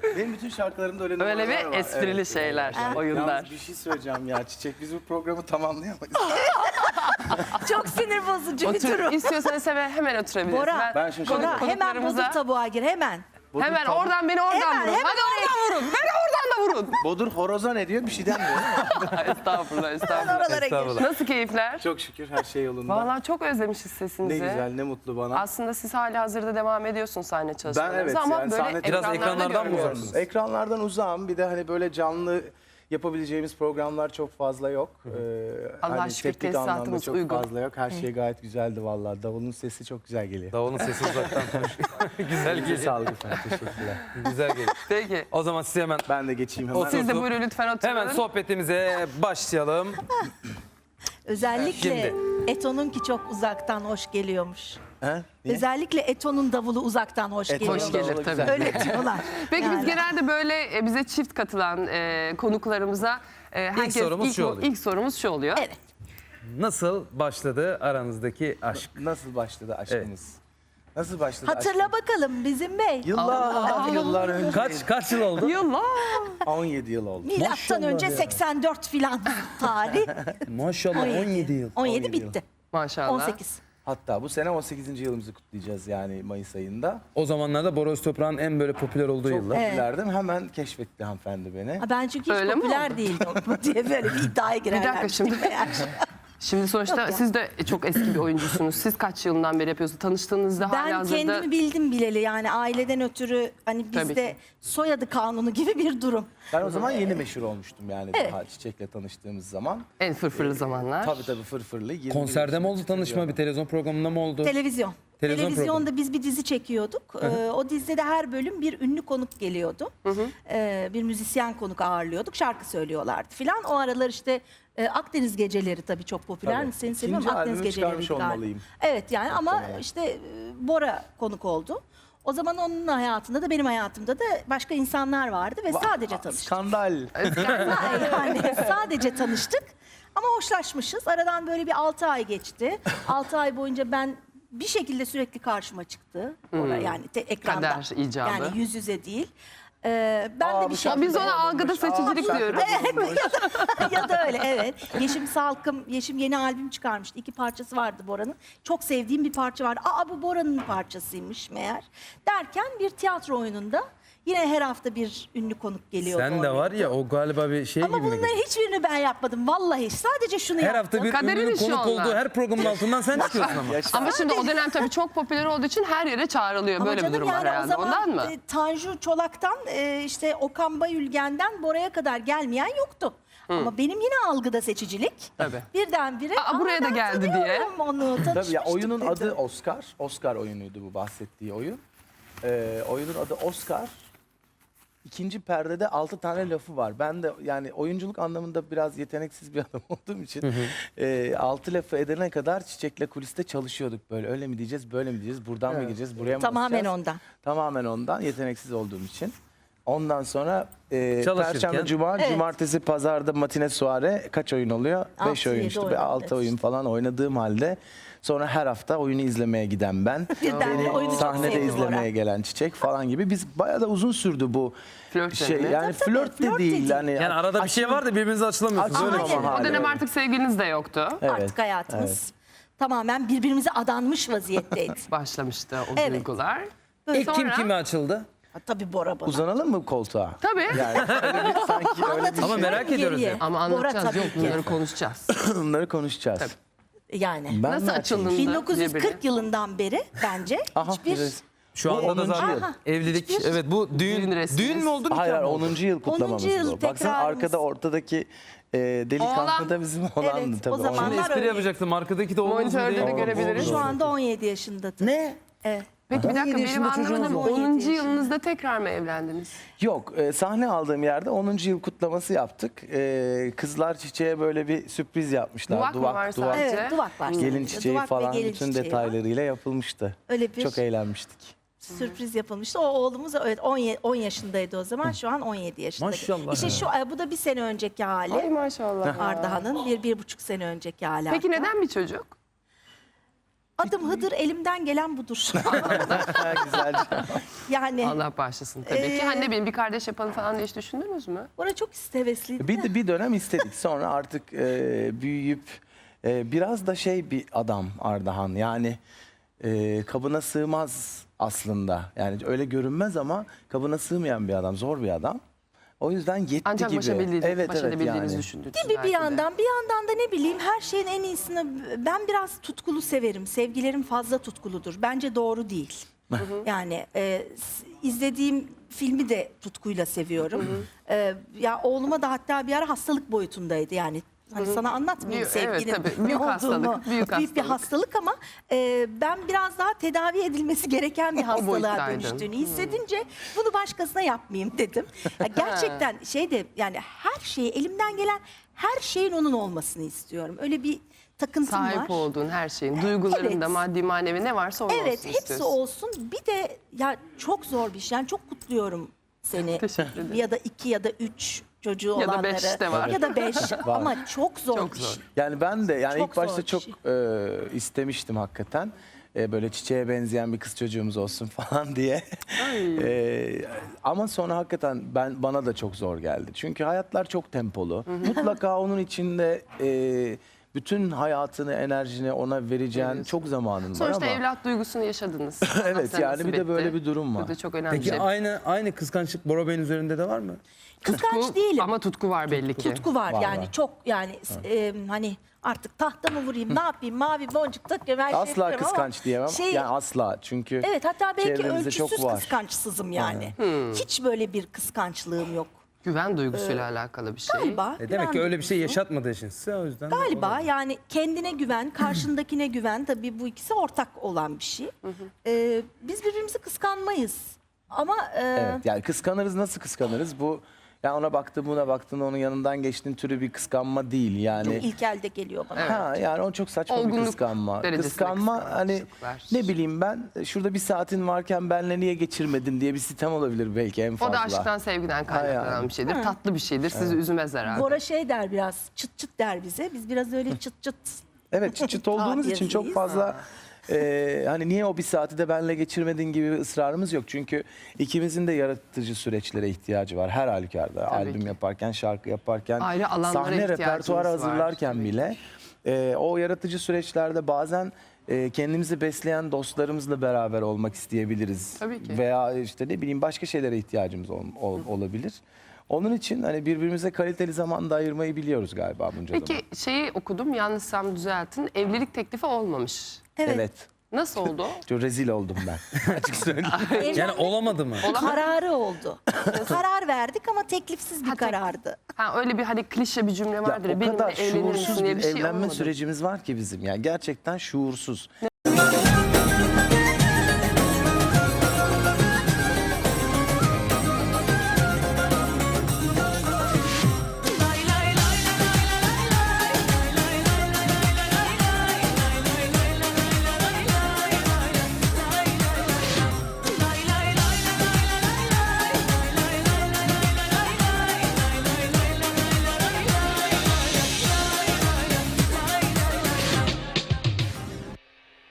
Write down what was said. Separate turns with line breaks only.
Benim bütün şarkılarımda öyle
Öyle
numaralar
bir
var.
esprili
Evet.
şeyler, oyunlar.
Yalnız bir şey söyleyeceğim ya Çiçek. Biz bu programı tamamlayamayız.
Çok sinir bozucu bir durum.
İstiyorsanız hemen oturabiliriz.
Bora,
Ben şaşırdım.
Bora hemen
konuklarımıza-
bodur tabuğa gir hemen.
Hemen oradan beni oradan
Hemen,
vurun.
hemen
Hadi oradan vurun. Beni oradan da vurun.
Bodur horoza ne diyor? Bir şey denmiyor.
Estağfurullah, estağfurullah.
Oralara gir.
Estağfurullah.
Nasıl keyifler?
Çok şükür her şey yolunda.
Vallahi çok özlemişiz
Ne
sesinizi.
güzel, ne mutlu bana.
Aslında siz hali hazırda devam ediyorsunuz sahne çalışmalarınıza
evet,
ama
yani
böyle
sahne-
Biraz ekranlardan mı
görmüyoruz.
uzaksınız?
Ekranlardan uzağım. Bir de hani böyle canlı yapabileceğimiz programlar çok fazla yok.
Allah'a
hani
şükür
teknik anlamda
tesisatımız
çok
uygun.
fazla yok. Her şey gayet güzeldi vallahi. Davulun sesi çok güzel geliyor.
Davulun sesi uzaktan konuşuyor. Güzel
Elinize
geliyor.
sağlık efendim. Teşekkürler.
Güzel geliyor.
Peki.
O zaman size hemen
Ben de geçeyim hemen.
Siz de buyurun lütfen oturun.
hemen sohbetimize başlayalım.
Özellikle
Şimdi.
Eto'nunki çok uzaktan hoş geliyormuş.
He? Niye?
Özellikle Eto'nun davulu uzaktan hoş
Eto'nun
geliyor.
Hoş gelir
davulu
tabii.
güzel.
Öyle diyorlar.
Peki
Yani.
biz genelde böyle bize çift katılan konuklarımıza
sorumuz şu oluyor.
ilk sorumuz şu oluyor.
Evet.
Nasıl başladı aranızdaki aşk?
Nasıl başladı aşkınız? Nasıl başladı
Hatırla bakalım bizim bey.
aşkınız? Yıllar önce.
Kaç yıl oldu?
Yıllar.
17 yıl oldu.
Milattan önce 84 filan tarih.
Maşallah 17 yıl.
17 bitti.
Maşallah.
18.
Hatta bu sene 18. yılımızı kutlayacağız yani Mayıs ayında.
O zamanlarda Bora Öztoprak'ın en böyle popüler olduğu
Çok
yıllar.
popülerdim. Hemen keşfetti hanımefendi beni.
Ha, ben çünkü hiç
Öyle mi
popüler
oldu?
değildim diye böyle bir iddiaya girerler.
dakika şimdi. Şimdi sonuçta
Yok ya.
siz de çok eski bir oyuncusunuz. Siz kaç yılından beri yapıyorsunuz? Tanıştığınızda hali
Ben
hazırda...
kendimi bildim bileli yani aileden ötürü hani
Tabii
bizde
ki.
soyadı kanunu gibi bir durum.
Ben o zaman yeni meşhur olmuştum yani
Evet.
daha Çiçek'le tanıştığımız zaman.
En fırfırlı zamanlar.
Tabii fırfırlı. 20
Konserde mi oldu
yıl
tanışma, bir televizyon programında mı oldu?
Televizyon.
Televizyon
Televizyonda biz bir dizi çekiyorduk. O dizide de her bölüm bir ünlü konuk geliyordu. Bir müzisyen konuk ağırlıyorduk. Şarkı söylüyorlardı filan. O aralar işte Akdeniz Geceleri tabii çok popüler.
Tabii.
Seni
İkinci
seviyorum. Akdeniz
albümü
Geceleri
çıkarmış olmalıyım.
Evet yani ama
Muhtemelen.
işte Bora konuk oldu. O zaman onun hayatında da benim hayatımda da başka insanlar vardı ve sadece tanıştık.
Skandal.
Yani sadece tanıştık ama hoşlaşmışız. Aradan böyle bir 6 ay geçti. 6 ay boyunca ben bir şekilde sürekli karşıma çıktı. Yani ekranda.
Kader icabı.
Yani yüz yüze değil. Ben de bir şey...
Biz ona algıda seçicilik diyoruz.
ya da öyle evet. Yeşim Salkım, Yeşim yeni albüm çıkarmıştı. 2 parçası vardı Bora'nın. Çok sevdiğim bir parça vardı. Aa bu Bora'nın parçasıymış meğer. Derken bir tiyatro oyununda yine her hafta bir ünlü konuk geliyordu.
Sen de
oraya.
var ya o galiba bir şey
Ama
gibi mi?
bunların hiçbirini ben yapmadım. Vallahi sadece şunu
Her
yaptım.
hafta bir
Kaderin
ünlünün
işi
konuk
onlar.
olduğu her programın altından sen çıkıyorsun ama.
Ama şimdi o dönem tabii çok popüler olduğu için her yere çağrılıyor.
Ama
Böyle bir
canım
durum var
yani o
herhalde.
zaman
Ondan mı?
Tanju Çolak'tan işte Okan Bayülgen'den Bora'ya kadar gelmeyen yoktu. Ama benim yine algıda seçicilik.
Tabii.
Birdenbire
Aa, buraya da
ben
geldi diye."
tanıyorum Onu
Tabii ya
tanışmıştık
oyunun
dedi.
adı Oscar. Oscar oyunuydu bu bahsettiği oyun. Oyunun adı Oscar. İkinci perdede 6 tane lafı var. Ben de yani oyunculuk anlamında biraz yeteneksiz bir adam olduğum için 6 lafı edene kadar Çiçek'le kuliste çalışıyorduk böyle. Öyle mi diyeceğiz, böyle mi diyeceğiz, buradan mı gireceğiz, buraya mı
Tamamen
basacağız?
ondan.
Tamamen ondan, yeteneksiz olduğum için. Ondan sonra
Çalışırken-
Perşembe, Cuma,
Evet.
Cumartesi, Pazar'da matine soare kaç oyun oluyor? 5
Altı,
oyun
yedi
işte.
oyun,
6
evet.
oyun falan oynadığım halde sonra her hafta oyunu izlemeye giden ben.
Birden de oyunu çok
Sahnede
sevdi
izlemeye
Bora.
gelen Çiçek falan gibi. Biz bayağı da uzun sürdü bu
Flört
şey.
dönemi.
Yani
Tabii,
flört de
flört de
değil.
değil.
Yani,
Yani arada bir şey var da birbirinizi açılamıyorsunuz. Öyle bir şey.
Aynen.
O dönem artık sevgiliniz de yoktu.
Evet,
Artık hayatımız tamamen birbirimize adanmış vaziyetteydi.
Başlamıştı o
Evet.
duygular.
İlk kim
Sonra-
kime açıldı?
Ha, tabii Bora bana.
Uzanalım mı koltuğa?
Tabii.
Yani öyle bir, sanki öyle bir
Anlatacağım
Ama merak ediyoruz
geriye.
ya.
Ama
Bora
anlatacağız.
tabii
Yok
ki.
bunları konuşacağız.
bunları konuşacağız.
Yani.
Ben
Nasıl
mi açayım?
açıldınız?
1940 yılından beri bence
Aha,
hiçbir...
biraz-
Şu
Bu
anda da
10.
zaten
yıl.
evlilik.
Hiçbir-
Evet bu
Düğün
düğün
resminiz.
mü oldu nikah
Hayır,
mı oldu?
10. yıl kutlamamız
10. yıl
bu. Baksana
tekrarımız.
arkada ortadaki delikanlı da bizim olandı
Evet,
tabii.
o zaman-
Şimdi espri
öyle.
yapacaktım. Arkadaki de oğlunuz mu
Monitörde
diye.
de görebiliriz.
Şu anda 17 yaşındadır.
Ne?
Evet.
Peki bir
17
dakika benim
yaşında çocuğunuz
anlamadım.
var.
10.
17
yılınızda tekrar mı evlendiniz?
Yok, sahne aldığım yerde 10. yıl kutlaması yaptık. Kızlar Çiçeğe böyle bir sürpriz yapmışlar.
Duvak mı var sadece?
Evet, duvak var.
Gelin
sadece.
çiçeği
Duvak ve
falan
gelin
bütün
çiçeği var.
detaylarıyla yapılmıştı.
Öyle bir
Çok eğlenmiştik.
sürpriz yapılmıştı. O oğlumuz evet 10 yaşındaydı o zaman. Şu an 17 yaşında.
Maşallah
İşte
ya.
bu da bir sene önceki hali.
Ay maşallah.
Ardahan'ın bir buçuk sene önceki hali.
Peki
hatta.
neden bir çocuk?
Adım Hıdır, elimden gelen budur.
Güzel.
Yani
Allah bağışlasın tabii ki. Hani ne bileyim bir kardeş yapalım falan diye hiç düşündünüz mü?
orada çok hevesliydi.
Bir dönem istedik. Sonra artık büyüyüp biraz da bir adam Ardahan. Yani kabına sığmaz aslında. Yani öyle görünmez ama kabına sığmayan bir adam. Zor bir adam. O yüzden yetti
Ancak
gibi.
baş edebildiğinizi düşündünüz.
Gibi bir yandan da ne bileyim her şeyin en iyisini ben biraz tutkulu severim. Sevgilerim fazla tutkuludur. Bence doğru değil. Yani izlediğim filmi de tutkuyla seviyorum. Ya oğluma da hatta bir ara hastalık boyutundaydı yani. Hani sana anlatmayayım
Evet,
sevginin
tabii.
ne
Büyük
olduğunu.
hastalık, büyük
bir hastalık ama ben biraz daha tedavi edilmesi gereken bir hastalığa
boyuttaydın.
dönüştüğünü hissedince bunu başkasına yapmayayım dedim. Ya gerçekten yani her şeyi elimden gelen her şeyin onun olmasını istiyorum. Öyle bir takıntım var.
Sahip olduğun her şeyin, duyguların da
Evet.
maddi manevi ne varsa onun
Evet,
olsun
hepsi
istiyorsun.
olsun. Bir de ya çok zor bir şey. Yani çok kutluyorum seni.
Teşekkür ederim.
Ya da 2 ya da 3 çocuğu
Ya da
olanları.
5 de var.
Ya da 5 ama çok zor
Çok
bir
zor.
şey.
Yani ben de yani
Çok
ilk başta
zor bir
çok istemiştim hakikaten. Böyle çiçeğe benzeyen bir kız çocuğumuz olsun falan diye. Ama sonra hakikaten bana da çok zor geldi. Çünkü hayatlar çok tempolu. Mutlaka onun içinde bütün hayatını, enerjini ona vereceğin çok zamanın var
Sonuçta
ama.
evlat duygusunu yaşadınız.
Evet,
Allah
yani
nasip
bir de böyle
etti.
bir durum var.
Bu da çok önemli bir
Peki
şey.
aynı kıskançlık Bora Bey'in üzerinde de var mı?
Kıskanç değilim.
Ama tutku var belli ki.
Tutku var,
Var,
yani
var.
çok yani hani artık tahta mı vurayım ne yapayım mavi boncuk takıyorum her şey
Asla
yapıyorum ama
kıskanç diyemem. Yani asla. Çünkü
evet, hatta belki
çevremizde çok
ölçüsüz
var.
kıskançsızım yani. Hiç böyle bir kıskançlığım yok.
Güven duygusuyla alakalı bir şey.
Galiba.
Demek
güven
ki öyle bir şey
duygusu.
yaşatmadığı için size o yüzden.
Galiba yani kendine güven, karşındakine güven, tabii bu ikisi ortak olan bir şey. Biz birbirimizi kıskanmayız. Ama
Evet, yani kıskanırız, nasıl kıskanırız? Bu yani ona baktın, buna baktın, onun yanından geçtiğin türü bir kıskanma değil yani.
çok ilk elde geliyor bana.
Ha, yani o çok saçma bir
Olgunluk
kıskanma.
derecesinde
Kıskanma hani
kıskançlıklar.
ne bileyim ben şurada bir saatin varken benle niye geçirmedin diye bir sitem olabilir belki en
O
fazla.
da aşktan sevgiden kaynaklanan
yani.
bir şeydir. Tatlı bir şeydir. Sizi üzmez herhalde.
Bora der biraz çıt çıt der bize. Biz biraz öyle çıt çıt.
Evet, çıt çıt olduğumuz için çok
Tabirliyiz.
fazla hani niye o bir saati de benle geçirmedin gibi bir ısrarımız yok. Çünkü ikimizin de yaratıcı süreçlere ihtiyacı var her halükarda. Albüm
ki.
yaparken, şarkı yaparken,
Ayrı alanlara
sahne
ihtiyacımız
repertuarı
var.
hazırlarken
Tabii
bile o yaratıcı süreçlerde bazen kendimizi besleyen dostlarımızla beraber olmak isteyebiliriz.
Tabii ki.
Veya işte ne bileyim başka şeylere ihtiyacımız olabilir. Onun için hani birbirimize kaliteli zaman da ayırmayı biliyoruz galiba bunca zaman.
Peki şeyi okudum, yanlışsam düzeltin. Evlilik teklifi olmamış.
Evet.
Nasıl oldu?
Çok rezil oldum ben. Açık söyleyeyim.
Yani olamadı mı?
Kararı oldu. Karar verdik ama teklifsiz bir
Ha, tek-
karardı.
Ha, öyle bir hani klişe bir cümle
Ya
vardır.
o
Benimle
kadar
evlenir misin
şuursuz
diye
bir
bir şey
evlenme
olmadı.
sürecimiz var ki bizim. Yani gerçekten şuursuz.